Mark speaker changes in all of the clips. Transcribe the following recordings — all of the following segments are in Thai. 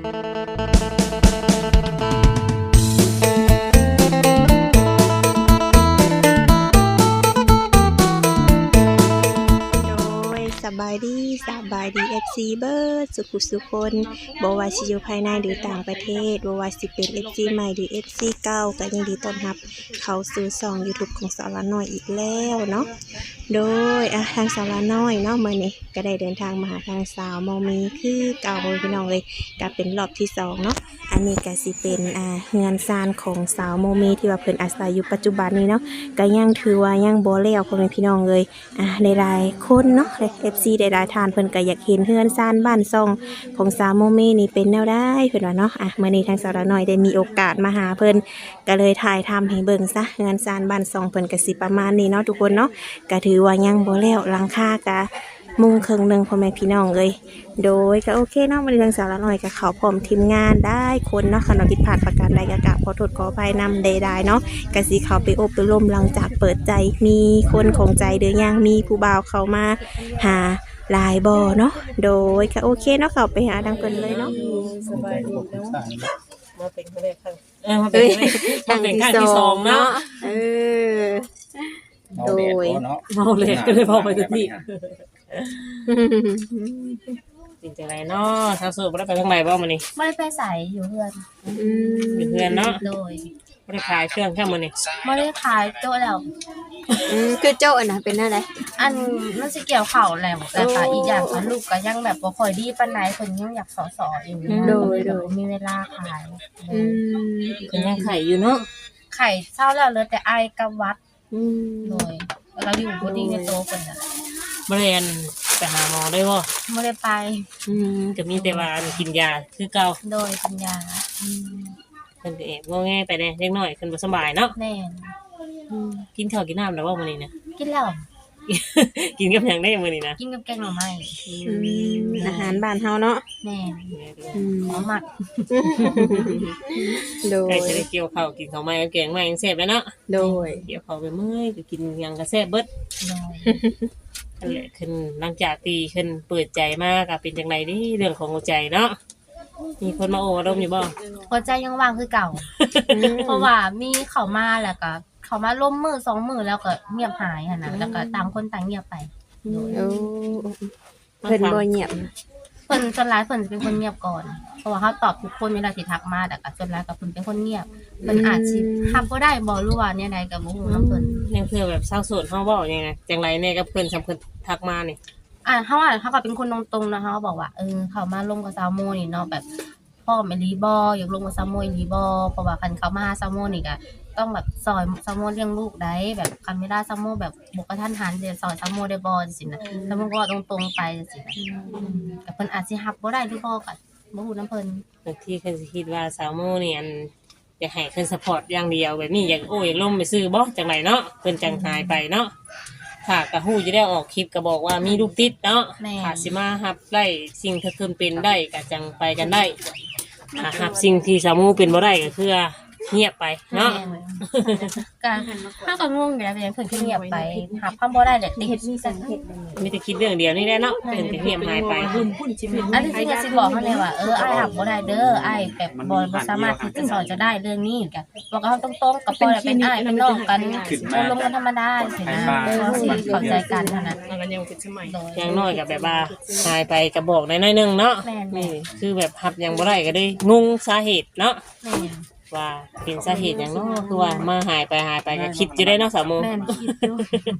Speaker 1: สบายดีFC เบิร์ดสุขคนบ่ว่าสิอยู่ภายในหรือต่างประเทศบ่ว่าสิเป็น FC ใหม่หรือ FC เก่าก็ยินดีต้อนรับเข้าสู่ช่อง YouTube ของสาวละน้อยอีกแล้วเนาะโดยทางสาวละน้อยเนาะมื้อนี้ก็ได้เดินทางมาหาทางสาวมอมีคือเก่าพี่น้องเลยก็เป็นรอบที่2เนาะอันนี้ก็สิเป็นเฮือนซานของสาวโมมีที่ว่าเพิ่นอาศัยอยู่ปัจจุบันนี้เนาะก็ยังถือว่ายังบ่แล้วพ่อแม่พี่น้องเลยหลายๆคนเนาะ FC หลายๆท่านเพิ่นก็อยากเห็นเฮือนซานบ้านซ่องของสาวโมมีนี่เป็นแนวใดเพิ่นว่าเนาะมื้อนี้ทางสาวละน้อยได้มีโอกาสมาหาเพิ่นก็เลยถ่ายทำให้เบิ่งซะเฮือนซานบ้านซ่องเพิ่นก็สิประมาณนี้เนาะทุกคนเนาะก็ถือว่ายังบ่แล้วหลังคาก็มุงครึ่งนึงพ่อแม่พี่น้องเลยโดยก็โอเคเนาะวันนี้ทางสาวละน้อยก็เข้าพร้อมทีมงานได้คนเนาะคันว่าผิดพลาดประการใดก็กราบขอโทษขออภัยนำใดๆเนาะก็สิเข้าไปอบรมหลังจากเปิดใจมีคนของใจหรือยังมีผู้บ่าวเข้ามาหาหลายบ่เนาะโดยก็โอเคเนาะเข้าไปหาดังเพิ่นเลยเนาะ
Speaker 2: สบายดีเนาะมาเป็นครั้งแรกครั้ง
Speaker 1: มาเป็นครั้งที่2เนาะโดย
Speaker 2: เมาเลยก็เลยพอไปทุกที่จริงจังไรเนาะทางสูบบ่ได้ไปทางไหนบ้างมื้อนี้
Speaker 3: บ่ได้ไปใส่อยู่เพื่อน
Speaker 2: อยู่เพื่อนเนาะ
Speaker 3: โดย
Speaker 2: บ่ได้ขายเครื่องแค่มื้อนี้
Speaker 3: บ่ได้ขายโต๊ะแล้ว
Speaker 1: คือโจ๊ะน่ะเป็นอะไร
Speaker 3: อันมันสิเกี่ยวข้าวแล้วแต่ค่ะอีกอย่างคือลูกก็ยังแบบบ่ค่อยดีปานใดเพิ่นยังอยากสอๆอยู่
Speaker 1: โดย
Speaker 3: มีเวลาขาย
Speaker 2: เพิ่นยังไข่อยู่เนาะ
Speaker 3: ไข่เช้าแล้วเหลือแต่ไอกับวัดโดยเราอยู่บ่ดีในโตเพิ่นน่ะ
Speaker 2: บ่ได้ไปหาหมอได้บ่
Speaker 3: บ่ได้ไป
Speaker 2: ก็มีแต่ว่ากินยาคือเก่า
Speaker 3: โดยกินยา
Speaker 2: เพิ่นก็งอแงไปแน่เล็กน้อยเพิ่นบ่สบายเนาะ
Speaker 3: แม่น
Speaker 2: กินข้าวกินน้ำแล้วบ่มื้อนี้นะ
Speaker 3: กินแล้ว
Speaker 2: กินกับหยังได้มื้อนี้นะ
Speaker 3: กินกับแกงหน่อไม้
Speaker 1: อาหารบ้านเฮาเนาะ
Speaker 3: แม่นมัก
Speaker 1: โดย
Speaker 2: จะได้เกี่ยวข้าวกินข้าวใหม่กับแกงใหม่ยังแซ่บเลยเนาะ
Speaker 1: โดย
Speaker 2: เกี่ยวข้าวไปเมื่อยก็กินหยังก็แซ่บเบิดนั่นแหละขึ้นหลังจากที่ขึ้นเปิดใจมากก็เป็นจังได๋ดิเรื่องของหัวใจเนาะมีคนมาโอ้ดมอยู่บ่
Speaker 3: หัวใจยังว่างคือเก่าเพราะว่ามีเข้ามาแล้วก็เขามาล้มมือ2มือแล้วก็เงียบหายหั่นน่ะแล้วก็ต่างคนต่างเงียบไป
Speaker 1: เพิ่นบ่เงียบ
Speaker 3: เพิ่นส่วนหลายเพิ่นสิเป็นคนเงียบก่อนเพราะว่าเขาตอบทุกคนเวลาที่ทักมาแต่ก็ส่วนหลายก็เพิ่นเป็นคนเงียบเพิ่นอาจสิรับบ่ได้บ่รู้ว่าเนี่ยใดก็บ่ฮู้นำเพิ่น
Speaker 2: ยังเพื่อแบบเศร้าโศกเฮาเว้ายังไงจังไรแน่กับเพิ่นสำเพิ่นทักมานี่
Speaker 3: เขาก็เป็นคนตรงๆนะเขาบอกว่าเขามาลงกับซาวโมนี่เนาะแบบพ่อแม่ลีบ่อยากลงกับซาวโมลีบ่เพราะว่าคันเขามาหาซาวโมนี่ก็ต้องแบบซอยซาวโมเลี้ยงลูกได้แบบคันเวลาซาวโมแบบบ่กระทันหันสิซอยซาวโมได้บ่จังซี่นะซาวโมก็ตรงๆไปจังซี่นะแต่เพิ่นอาจสิรับบ่ได้หรือบ่ก็บ่ฮู้นำเพิ่น
Speaker 2: บางทีเพิ่นสิคิดว่าซาวโมนี่อันอยากให้เพิ่นซัพพอร์ตอย่างเดียวแบบนี้อยากอยากล้มไปซื้อบ่จังไดเนาะเพิ่นจังหายไปเนาะถ้าก็ฮู้จะได้ออกคลิปก็บอกว่ามีลูกติดเนาะถ้าสิมารับได้สิ่งที่เพิ่นเป็นได้ก็จังไปกันได้ถ้ารับสิ่งที่ซาวโมเป็นบ่ได้ก็คือเงียบไปเนาะ
Speaker 3: การถ้าก็งงอยู่แล้วเพิ่นคือเงียบไปหาความบ่ได้แหละติดมี
Speaker 2: แต่คิดเรื่องเดียวนี่แหละเนาะเพิ่นก็เงียบหายไป
Speaker 3: อันที่จริงสิบอกเฮาเลยว่าอ้ายรับบ่ได้เด้ออ้ายแบบบ่สามารถที่จะสอนจะได้เรื่องนี้ก็บอกกับเฮาตรงๆกับพ่อเป็นอ้ายเป็นน้องกันลงกันธรรมดาสินะสิเข้าใจกันเท่านั้น
Speaker 2: มันก็ยังคิดสมัยอย่างน้อยก็แบบว่าหายไปก็บอกได้น้อยนึงเนาะนี่คือแบบรับยังบ่ได้ก็ได้งงสาเหตุเนาะว่าเป็นสาเหตุอย่างเนาะคือว่ามาหายไปก็คิดอยู่ได้เนาะสาวโม
Speaker 3: แม่นคิดอยู่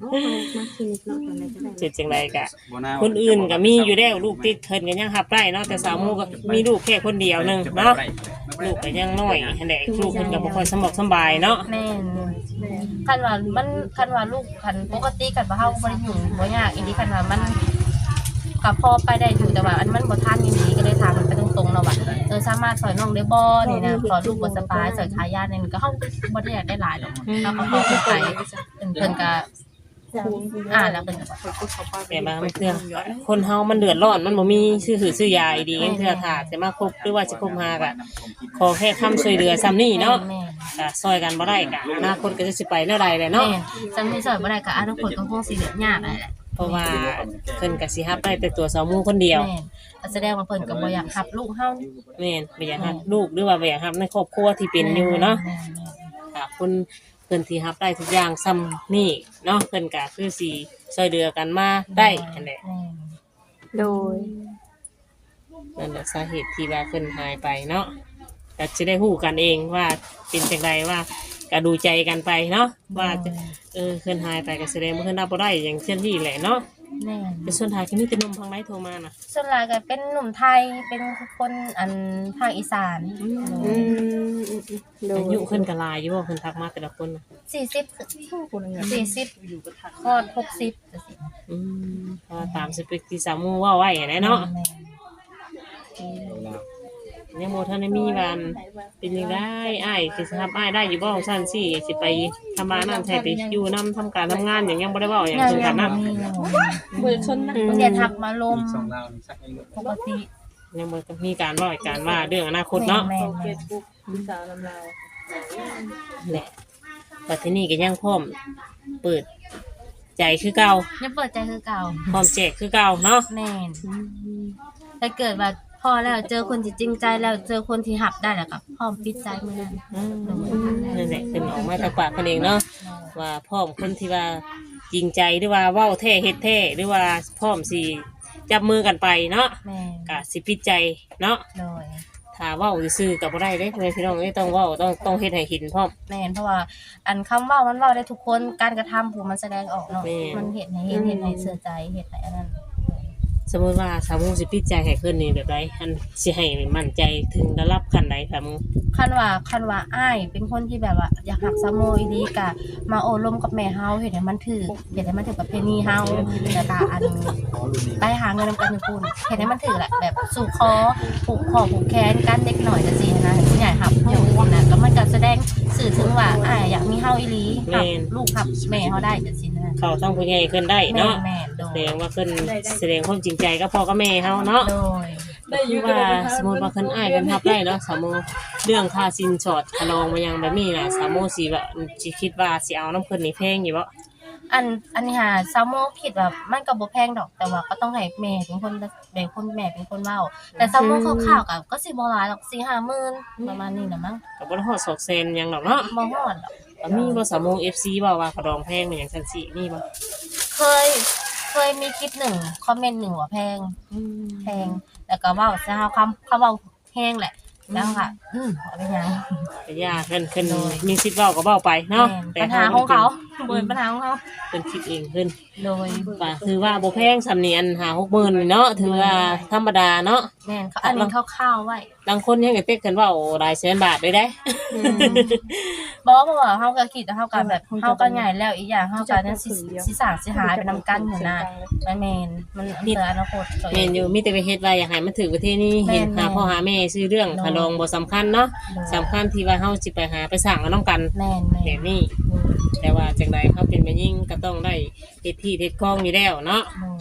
Speaker 2: เจ็ดจังไดกะคนอื่นก็มีอยู่แล้วลูกติดเพิ่นก็ยังรับได้เนาะแต่สาวโมก็มีลูกแค่คนเดียวนึงเนาะลูกก็ยังน้อยหั่นแหละลูกเพิ่นก็บ่ค่อยสบายเนาะ
Speaker 3: แม่นคันว่าลูกคันปกติกันบ่เฮาบ่ได้ยุ่งบ่ยากอีหลีคันว่ามันก็พอไปได้อยู่แต่ว่าอันมันบ่ทันอีหลีก็เลยถามมันไปตรงๆเนาะว่าสามารถสอนน้องได้บ่นี่นะสอนลูกบ่สบายสอนขายานี่ก็เฮาบ่ได้อยากได้หลายดอกเฮาก็เข้าไปเพิ่นก็แล้วเพิ่นก็
Speaker 2: แต่บางเทื่อคนเฮามันเดือดร้อนมันบ่มีซื้อยาอีดีเทื่อถ้าจะมาคบหรือว่าสิคบหาก็ขอแค่คำช่วยเหลือซ้ำนี้เนาะก็ซอยกันบ่ได้ก็อนาคตก็จะสิไปแนวใดแหละเนาะ
Speaker 3: ซ้ำนี้ซอยบ่ได้ก็อนาคตก็คงสิยากแหละ
Speaker 2: เพราะว่าเพิ่นก็สิรับได้แต่ตัวสาวหมู่คนเดียว
Speaker 3: แม่นก็แสดงว่าเพิ่นก็บ่อยากรับลูกเฮา
Speaker 2: แม่นบ่อยากรับลูกหรือว่าบ่อยากรับในครอบครัวที่เป็นอยู่เนาะ
Speaker 3: แม่น
Speaker 2: ค่ะคุณเพิ่นที่รับได้ทุกอย่างซ้ำนี่เนาะเพิ่นก็คือสิช่วยเหลือกันมาได้นั่นแหละ
Speaker 3: แม่น
Speaker 1: โดย
Speaker 2: นั่นแหละสาเหตุที่ว่าเพิ่นหายไปเนาะก็จะได้ฮู้กันเองว่าเป็นจังไดว่าก็ดูใจกันไปเนาะว่าจะเพิ่นหายไปก็แสดงว่าเพิ่นรับบ่ได้อย่างเช่นที่แหละเนาะ
Speaker 3: แม่น
Speaker 2: แต่ส่วนท้ายก็มีแต่หนุ่มทางไหนโทรมาน่ะ
Speaker 3: ส่วนหลายก็เป็นหนุ่มไทยเป็นคนภาคอีสาน
Speaker 1: อืมโดย
Speaker 2: อายุเพิ่นก็หลายอยู่บ่เพิ่นทักมาแต่ละคนน่ะ
Speaker 3: 40ฮอด60จังซี่
Speaker 2: เพราะว่าตามสเปคที่สาวหมู่เว้าไว้หั้นแหละเนาะ
Speaker 3: แม่น
Speaker 2: ยังบ่ทันได้มีว่าเป็นจังได๋อ้ายสิรับอ้ายได้อยู่บ่ซั่นสิสิไปทำบ้านนั่นแท้ไปอยู่นํทำการทำงานหยังยังบ่ได้เว้าหยังถึงกันนั้น
Speaker 3: บ่ชนนะเพิ่นจะทักมาลม
Speaker 4: สองลาวนี่สักอายุ
Speaker 3: ปกติ
Speaker 2: ยังบ่มีการเว้าการว่าเรื่องอนาคตเนาะ
Speaker 3: แม่น
Speaker 2: แหละบัดทีนี้ก็ยังพร้อมเปิดใจคือเก่า
Speaker 3: ยังเปิดใจคือเก่า
Speaker 2: พร้อมแจกคือเก่าเนาะ
Speaker 3: แม่นถ้าเกิดว่าพอแล้วเจอคนที่จริงใจแล้วเจอคนที่หับได้แล้วก็พร้อมปิดใจมื้อนั้น
Speaker 2: นั่นแหละเป็นออกมาจากปากเพิ่นเองเนาะว่าพร้อมคนที่ว่าจริงใจหรือว่าเว้าแท้เฮ็ดแท้หรือว่าพร้อมสิจับมือกันไปเนาะ
Speaker 3: แม่น
Speaker 2: ก็สิปิดใจเนาะ
Speaker 3: โดย
Speaker 2: ถ้าเว้าซื่อๆก็บ่ได้เด้พ่อแม่พี่น้องเอ้ยต้องเว้าต้องเฮ็ดให้เห็นพร้อม
Speaker 3: แม่นเพราะว่าอันคำเว้ามันเว้าได้ทุกคนการกระทำผู้มันแสดงออกเนาะ
Speaker 2: แม่น
Speaker 3: มันเฮ็ดให้เห็นเฮ็ดให้เสื่อใจเฮ็ดให้อันนั้น
Speaker 2: สมมุติว่าสาวมุสิปิดใจให้เพิ่นนี่แบบใดอันสิให้มั่นใจถึงระดับขั้นใดสาวมุ
Speaker 3: คันว่าอ้ายเป็นคนที่แบบว่าอยากหักสะโมอีหลีกะมาโอ้ลมกับแม่เฮาเฮ็ดให้มันถูกเฮ็ดให้มันถูกประเพณีเฮาแล้วก็อันไปหาเงินนำกันอยู่พุ่นเฮ็ดให้มันถูกแหละแบบสู่คอผูกคอผูกแขนกันเด็กหน่อยจังซี่นะผู้ใหญ่หับอยู่นะก็มันก็แสดงสื่อถึงว่าอ้ายอยากมีเฮาอีหลีหับลูกหับแม่เฮาได้จังซี่นะ
Speaker 2: เขาต้องผู้ใหญ่ขึ้นได้เนาะ
Speaker 3: แม่นโด
Speaker 2: แส
Speaker 3: ย
Speaker 2: ดงว่าเพิ่นแสดงความจริงใจกับพ่อกับแม่เฮาเนาะ
Speaker 3: โดย
Speaker 2: คือว่าสมมุติว่าเพิ่นอ้ายกันทับได้เนาะสาวมุเรื่องค่าสินสอดคลองมายังแบบนี้น่ะสาวมุสิว่าสิคิดว่าสิเอาน้ำเพิ่นนี่แพงอยู่บ่
Speaker 3: อันนี้หาซาโมคิดว่ามันก็บ่แพงดอกแต่ว่าก็ต้องให้แม่เป็นคนแม่เป็นคนเว้าแต่ซาโมคร่าวๆก็สิบ่หลายหรอก 4-5 หมื่นประมาณนี้น่ะมั้ง
Speaker 2: ก็บ่ได้ฮอดศอกเซนหยังดอกเนาะ
Speaker 3: บ่ฮอดดอก
Speaker 2: ก็มีบ่สาวมุ FC เว้าว่าขะดองแพงมันหยังซั่นสิมีบ่
Speaker 3: เคยมีคลิปหนึ่งคอมเมนต์หนึ่งว่าแพงแล้วก็เว้าซะเฮาเขาเว้าแพงแหละแล้วค่ะเอาไปหยัง
Speaker 2: ก็ย่าเพิ่นมีสิทธิ์เว้าก็เว้าไปเนาะ
Speaker 3: แม่นปัญหาของเขาบ่เป็นปัญหาของเขา
Speaker 2: เพิ่นคิดเองเพิ่น
Speaker 3: โดย
Speaker 2: ก็คือว่าบ่แพงสำเนียน5-6 หมื่นนี่เนาะถือว่าธรรมดาเนาะ
Speaker 3: แม่นเขาอันนี้คร่าวๆไว้
Speaker 2: บางคนยังก็เต็กกันเว้าหลายแสนบาทเลยได้
Speaker 3: บ่เพราะว่าเฮาก็คิดว่าเฮาก็แบบเฮาก็ใหญ่แล้วอีกอย่างเฮาก็เนี่ยสิสร้างสิหายไปนำกันหัวหน้าแม่นมันเพื่ออนาคตตัวเอ
Speaker 2: แม่
Speaker 3: ง
Speaker 2: นอยู่มีแต่ไปเฮ็ดว่าอยากให้มันถึงประเทศนี้
Speaker 3: แม่น
Speaker 2: เห็นหาพ่อหาแม่ซื้อเรื่อง
Speaker 3: เนาะ
Speaker 2: คารองบ่สำคัญเนาะสำคัญที่ว่าเฮาสิไปหาไปสร้างกันนํกัน
Speaker 3: แม่น
Speaker 2: แบบนี้แต่ว่าจังไดเฮาเป็นแม่หญิงก็ต้องได้เฮ็ดที่เฮ็ดคองอยู่แล้วเนาะ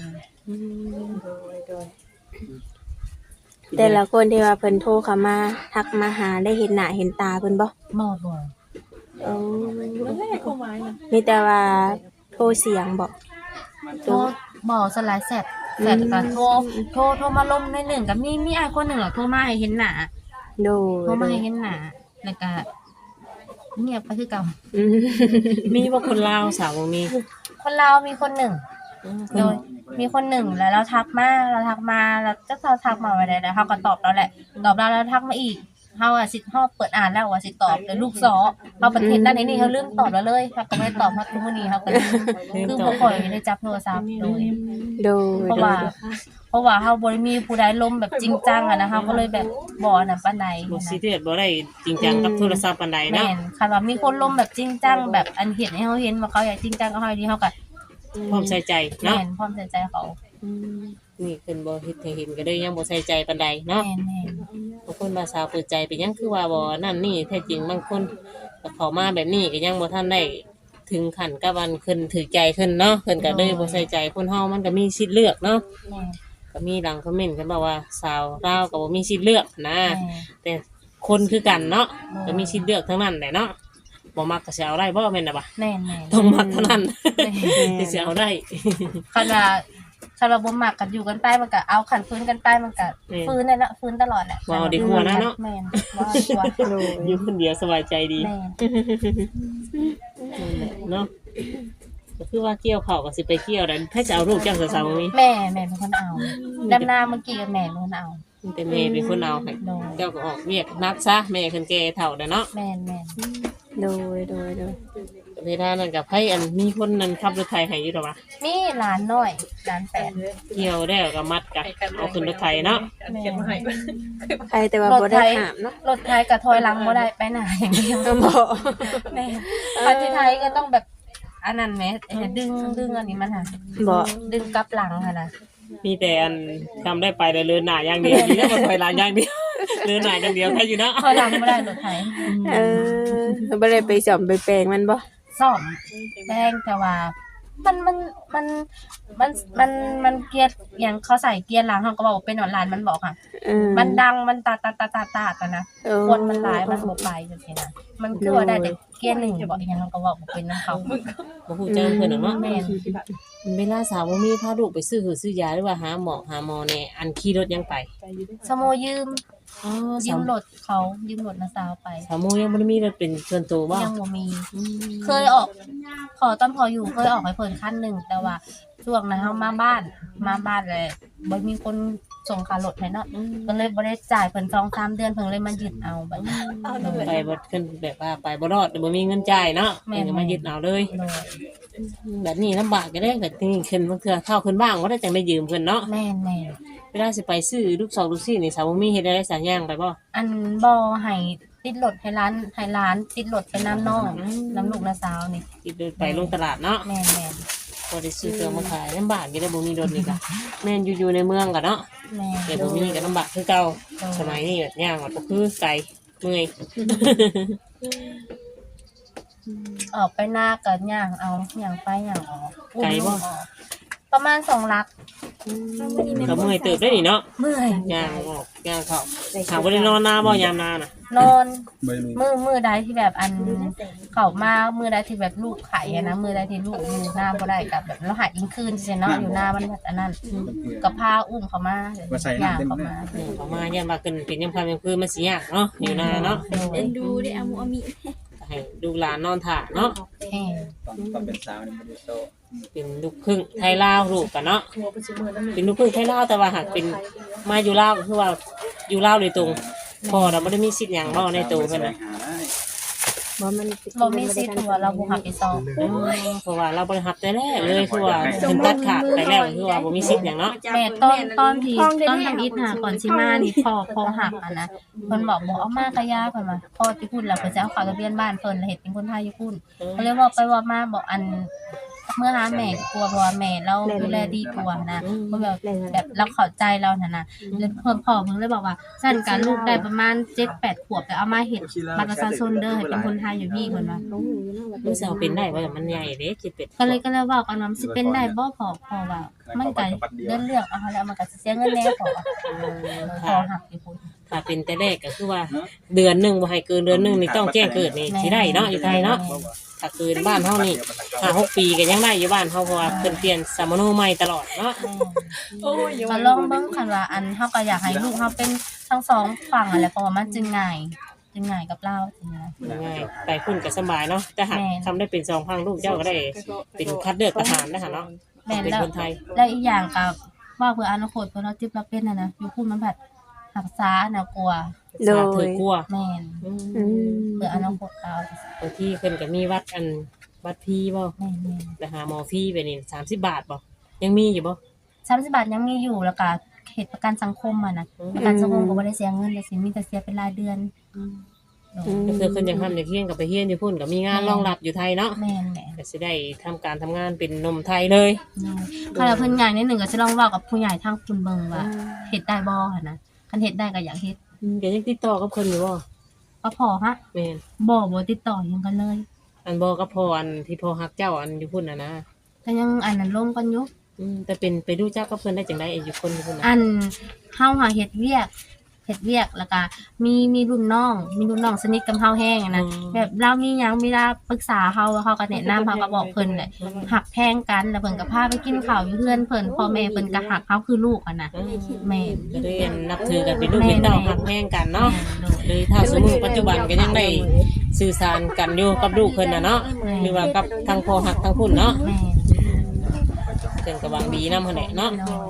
Speaker 1: แต่ละคนที่ว่าเพิ่นโทรเข้ามาทักมาหาได้เห็นหน้าเห็นตาเพิ่นบ่
Speaker 3: บ่
Speaker 1: เออมีแต่ว่าโทรเสียงบ่
Speaker 3: โทรบ่สลายแซดก็โทรมาลมในหนึ่งก็มีอ้ายคนหนึงอะโทรมาให้เห็นหน้า
Speaker 1: โดย
Speaker 3: โทรมาให้เห็นหน้าแล้วก็เงียบไปคือเก่า
Speaker 1: อืม
Speaker 2: มีบ่คนลาวสาวบ่มี
Speaker 3: คนลาวมีคนหนึ่งโดยมีคนหนึ่งแล้วเราทักมาแล้วจะทักมาไว้ได้แล้วเฮาก็ตอบแล้วแหละตอบแล้วทักมาอีกเฮาอะสิเฮาเปิดอ่านแล้วว่าสิตอบแต่ลูกซอเฮาประเทศด้านนี้เฮาลืมตอบแล้วเลยเฮาก็ไม่ได้ตอบเฮาคือมื้อนี้เฮาก็คือบ่ค่อยได้จับโทรศัพท์โดย
Speaker 1: โดย
Speaker 3: เพราะว่าเฮาบ่ได้มีผู้ใดล้มแบบจริงจังอะนะเฮาก็เลยแบบบ่อันนั้นปานใด
Speaker 2: บ่ซีเรียสบ่ได้จริงจังกับโทรศัพท์ปานใด
Speaker 3: แม่
Speaker 2: เนาะ
Speaker 3: นคันว่ามีคนล้มแบบจริงจังแบบอันเห็นให้เฮาเห็นว่าเขาอยากจริงจังกับเฮาดีเฮาก็
Speaker 2: พร้อมใส่ใจ
Speaker 3: แม่
Speaker 2: เนาะ
Speaker 3: นพร้อมใส่ใจเขา
Speaker 2: นี่เพิ่นบ่เฮ็ดให้เห็นก็เลยยังบ่ใส่ใจปานใดเนาะ
Speaker 3: แม่น
Speaker 2: บางคนมาสาวเปิดใจไปยังคือว่าบ่นั่นนี่แท้จริงบางคนก็เข้ามาแบบนี้ก็ยังบ่ทันได้ถึงขั้นกับวันขึ้นถือใจขึ้นเนาะเพิ่นก็เลยบ่ใส่ใจคนเฮามันก็มีสิทธิ์เลือกเนาะ
Speaker 3: แม่น
Speaker 2: ก็มีหลังคอมเมนต์กันบอกว่าสาวลาวก็บ่มีสิทธิ์เลือกนะ
Speaker 3: แม่น
Speaker 2: แต่คนคือกันเนาะก็มีสิทธิ์เลือกทั้งนั้นแหละเนาะบ่มักก็สิเอาได้บ่แม่นน่ะบ่ะ
Speaker 3: แม่น
Speaker 2: ต้องมักเท่านั้น
Speaker 3: แม่น
Speaker 2: ที่สิเอาได้
Speaker 3: คันว่าบ่มักกันอยู่กันไปมันก็เอาขันฟื้นกันไปมันก็ฟื้นนั่นแหละฟื้นตลอดแหละ
Speaker 2: บ่เอาดีกว่านะเนาะ
Speaker 3: แม่นบ่เอาดีกว่า
Speaker 1: โดย
Speaker 2: อยู่คนเดียวสบายใจดี
Speaker 3: แม่น
Speaker 2: นั่นแหละเนาะก็คือว่าเกี่ยวเขาวก็สิไปเกี่ยวได้ถ้าจะเอาลูกจังสาวๆมี
Speaker 3: แม่เป็นคนเอาดำนาเมื่อกี้กับแม่เป็นคนเอา
Speaker 2: แต่แม่เป็นคนเอาให้
Speaker 3: โดย
Speaker 2: เจ้าก็ออกเวียกนักซะแม่คนแก่เฒ่าแล้วเนาะ
Speaker 3: แม่น
Speaker 1: โดยโดย
Speaker 2: เวลานั้นกับให้อันมีคนนั้นขับรถไถให้อยู่ดอกว่า
Speaker 3: มีหลานน้อยหลานแปด
Speaker 2: เกี่ยวแล้วก็มัดกันเอาขึ้นรถไถเนาะ
Speaker 3: แม่น
Speaker 1: ใครแต่ว่าบ่ได้หามเนาะ
Speaker 3: รถไทยกับถอยหลังบ่ได้ไปไหนอย่างเดียว
Speaker 1: บ่
Speaker 3: แม่คันที่ไทยก็ต้องแบบอันนั้นแหมดึงอันนี้มันค่ะ
Speaker 1: บ่
Speaker 3: ดึงกลับหลังค่ะนะ
Speaker 2: มีแต่อันทำได้ไปแต่เดินหน้าอย่างเดียวนี่ก็ถอยหลังอย่างเดียวเดินหน้าอย่างเดียวแค่อยู่เนาะ
Speaker 3: ถอยหลังบ่ได้รถไทย
Speaker 1: บ่ได้ไปสอมไปแปลงมันบ่
Speaker 3: ซ่อมแป้งแต่ว่ามันเกียร์อย่างเขาใส่เกียร์หลังเขาก็บอกว่าเป็นออนไลน์มันบอกค่ะ มันดังมันตาแต่นะคนมันหลายมันบ่ไปจังซี่นะมันคือว่าได้แต่เกียร์หนึ่งบอกอย่างเขาก็บอกบ่เป็นนำเขา
Speaker 2: บ่ฮู้จักเพิ่นหรอกเนาะ
Speaker 3: แม่น
Speaker 2: เวลาสาวบ่มีพาลูกไปซื้อยาหรือว่าหาหมอเนี่ยอันขี่รถยังไป
Speaker 3: สโมยืม
Speaker 2: อ๋อ
Speaker 3: ยืมรถเขายืมรถนาสาวไป
Speaker 2: สาวโมยังบ่ได้มีรถเป็นส่วนตัวบ่
Speaker 3: ยังบ่มี เคยออกตอนพออยู่เคยออกให้เพิ่นคันหนึ่งแต่ว่าช่วงนั้นเฮามาบ้านเลยบ่มีคนส่งค่ารถให้เนาะก็เลยบ่ได้จ่ายเพิ่น2-3 เดือนเพิ่นเลยมายึดเอาบัดนี้
Speaker 2: ไปบ่ขึ้นแบบว่าไปบ่รอดบ่มีเงินจ่ายเนาะ
Speaker 3: แม่
Speaker 2: เพิ่นก็มายึดเอาเลย
Speaker 3: โดย
Speaker 2: แบบนี้ลำบากก็ได้ก็นี่ขึ้นบางเทื่อเท่าขึ้นบ้างบ่ได้จังได้ยืมเพิ่นเนาะ
Speaker 3: แม่น
Speaker 2: เวลาสิไปซื้อลูก2ลูก4นี่สาวบ่มีเฮ็ดได้สัญญางไปบ่
Speaker 3: อันบ่ให้ติดรถให้ร้านติดรถไปน้ำน้องน้ำลูกนาสาวนี่
Speaker 2: ที่เดินไปลงตลาดเนาะ
Speaker 3: แม่น
Speaker 2: บ่ได้ซื้อเครื่องมาขายลำบากอยู่ได้บ่มีรถนี่ก็แม่นอยู่ในเมืองก็เนาะ
Speaker 3: แม่
Speaker 2: แต่บ่มีก็ลำบากคือเก่าสมัยนี้แบบย่างก็คือไกลเมื่อย
Speaker 3: ออกไปหน้าก็ย่างเอาย่างไปย่างออก
Speaker 2: ไกลบ่
Speaker 3: ประมาณ2ลัก
Speaker 2: ก็เมื่อยเติบได้นี่เนาะ
Speaker 3: เมื่อย
Speaker 2: ย่างออกย่างเข้าถามบ่ได้นอนนาบ่ยามนาน่ะ
Speaker 3: นอนมือใดที่แบบอันเขามามือใดที่แบบลูกไข่อะนะมือใดที่ลูกอยู่หน้าบ่ได้กับแบบเราหาอิงคืนใช่เนาะอยู่หน้ามันแบบอันนั้นกับพาอุ้มเขามาอย่างเขามา
Speaker 2: เขามาย่ามว่าขึ้นเป็นยามค่ำยามคืนมันสิยากเนาะอยู่นาเนาะ
Speaker 4: เอ็นดูได้อามุอามิ
Speaker 2: ก็ให้ดูหลานนอนถ่าเนาะ
Speaker 3: แห้ง
Speaker 5: ตอนเป็นสาวนี่มันจะโต
Speaker 2: เป็นลูกครึ่งไทยลาวลูกกันเนาะเป็นลูกครึ่งไทยลาวแต่ว่าหากเป็นมาอยู่ลาวก็คือว่าอยู่ลาวโดยตรงพ่อเราไม่ได้มีสิทธิ์หยังเนาะในตัวเพิ่นน่ะ
Speaker 1: บ่มัน
Speaker 3: บ่มีสิทธิ์ว่าเราบ่หับไปซอง
Speaker 2: เพราะว่าเราบริหับแต่แรกเลยคือว่าเพิ่นตัดขาดไปแล้วคือว่าบ่มีสิทธิ์หยังเนาะ
Speaker 3: แม่ตอนที่ทำอิฐหาก่อนสิมานี่พอหักอ่ะนะเพิ่นบอกบ่เอามากะยาเพิ่นว่าพอที่พูดแล้วเพิ่นจะเอาเข้าทะเบียนบ้านเพิ่นแล้วเฮ็ดเป็นคนไทยอยู่พุ่นก็เลยบอกไปว่ามาบอกอันเมื่อหาแม่กลัวเพราะว่าแม่เราดูแลดีกว่านะเพิ่นแบบเราเข้าใจเราน่ะนะแล้วเพิ่นพ่อเพิ่นเลยบอกว่าซั่นกันลูกได้ประมาณ 7-8 ขวบแต่เอามาเฮ็ดบัตรประชาชนเด้อให้เป็นคนไทยอยู่พี่เพิ่นว่า
Speaker 2: รู้สึกว่าเป็นได้ว่ามันใหญ่เด้คิดเป็ด
Speaker 3: ก็เลยเว้ากันว่ามันสิเป็นได้บ่พอว่ามันก็เรื่องเอาแล้วมันก็สิเสียเงินแน่พอหักอยู่พุ่น
Speaker 2: ถ้าเป็นแต่แรกก็คือว่าเดือนหนึงบ่ให้เกินเดือนหนึงนี่ต้องแจ้งเกิดนี่สิได้เนาะอยู่ไทยเนาะถ้าเกินบ้านเฮานี่5-6 ปีก็ยังได้อยู่บ้านเฮาเพราะว่าเพิ่นเปลี่ยนสามโนใหม่ตลอดเนาะ
Speaker 3: ก็ลองเบิ่งคันว่าอันเฮาก็อยากให้ลูกเฮาเป็นทั้งสองฝั่งนั่นแหละเพราะว่ามันจึงง่ายกับเราจริงนะ
Speaker 2: ง่ายไปพุ่นก็สบายเนาะแต่หากทำได้เป็น2พังลูกเจ้าก็ได้เป็นคัดเลือกทหารนะคะเนาะ
Speaker 3: แม่น
Speaker 2: เป็น
Speaker 3: แล้ว
Speaker 2: คนไทย
Speaker 3: แล้วอีกอย่างก็ว่าเพื่ออนาคตเพิ่นเราจิบเราเป็นน่ะนะอยู่พุ่นมันแบบหักษาน่ากลัว
Speaker 1: โด
Speaker 2: สาถื
Speaker 1: ย
Speaker 2: อกลัว
Speaker 3: แม่น
Speaker 1: อืม
Speaker 3: เพื่ออนาคตเรา
Speaker 2: บางที่เพิ่นก็มีวัดพี่บ่
Speaker 3: แม่น
Speaker 2: ไปหาหมอฟรีไปนี่30 บาทบ่ยังมีอยู่บ่
Speaker 3: 30 บาทยังมีอยู่แล้วก็เขตประกันสังคมอ่ะนะประกันสังคมก็บ่ได้เสียเงินเลยสิมีแต่เสียเป็นรายเดือน
Speaker 2: ก็คือเพิ่นยังทำอย่างเฮียนกับไปเฮียนอยู่พุ่นก็มีงานรองรับอยู่ไทยเนาะ
Speaker 3: แม่น
Speaker 2: ก็สิได้ทำการทำงานเป็นหนมไทยเลย
Speaker 3: ถ้าเราเพิ่นใหญ่นิดหนึ่งก็จะลองเว้ากับผู้ใหญ่ทางคุณเบิ่งว่าเฮ็ดได้บ่หั่นนะคันเฮ็ดได้ก็อยากเฮ็ด
Speaker 2: ก็ยังติดต่อกับเพิ่นอยู่บ่
Speaker 3: ก็พอฮะ
Speaker 2: แม่น
Speaker 3: บ่ติดต่อหยังกันเลย
Speaker 2: อันบ่กับพ่ออันที่พ่อฮักเจ้าอันอยู่พุ่นน่ะนะ
Speaker 3: ก็ยังอันนั้นลงกันอยู่
Speaker 2: แต่เป็นไปรู้จักกับเพิ่นได้จังได๋อยู่คนอยู่พุ่นน่ะ
Speaker 3: อันเฮาหาเฮ็ดเวียกเฮ็ดเวียกแล้วก็มีรุ่นน้องสนิทกับเฮาแฮงอะนะแบบเรามีหยังเวลาปรึกษาเฮาก็แนะนำเฮาก็บอกเพิ่นแหละหักแพงกันแล้วเพิ่นก็พาไปกินข้าวอยู่เฮือนเพิ่นพ่อแม่เพิ่นก็หักเฮาคือลูกอะนะแม่น
Speaker 2: ก็เลยนับถือกันเป็นลูกเป็นเต้าหักแพงกันเนาะเลยถ้าสมมุติปัจจุบันก็ยังได้สื่อสารกันอยู่กับลูกเพิ่นน่ะเนาะหรือว่ากับทางพ่อหักทางพุ่นเนาะ
Speaker 3: แม่น
Speaker 2: เพิ่นก็หวังดีนำหั่นแหละเนาะ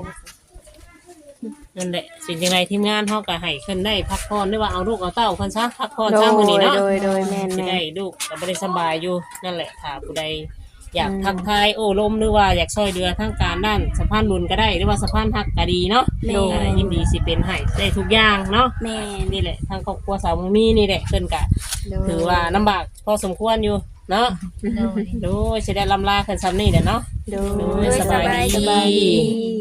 Speaker 2: นั่นแหละสิ่งจังไดทีมงานเฮาก็ให้เพิ่นได้พักผ่อนหรือว่าเอาลูกเอาเต้าเพิ่นซะพักผ่อน
Speaker 1: โด
Speaker 2: ซะ
Speaker 1: ย
Speaker 2: มื้อนี้เนาะ
Speaker 1: โดยแม่น
Speaker 2: สิ
Speaker 1: แม่
Speaker 2: ได้
Speaker 1: น
Speaker 2: ลูกก็บ่ได้สบายอยู่นั่นแหละถ้าผู้ใดอยากทักทายโอ้ลมหรือว่าอยากช่วยเหลือทางการด้านสะพานบุญก็ได้หรือว่าสะพานหักก็ดีเนาะยินดีสิเป็นให้ได้ทุกอย่างเนาะ
Speaker 1: แม่น
Speaker 2: นี่แหละทางครอบครัวสาวมุมีนี่แหละเพิ่นก็
Speaker 1: โดย
Speaker 2: ถือว่าลำบากพอสมควรอยู่เนาะ
Speaker 3: โดย
Speaker 2: โดยสิได้ลำลาเพิ่นซ้ำนี่แหละเนาะ
Speaker 1: โด
Speaker 2: โด
Speaker 1: ย
Speaker 2: ยสบายดี
Speaker 1: สบายดี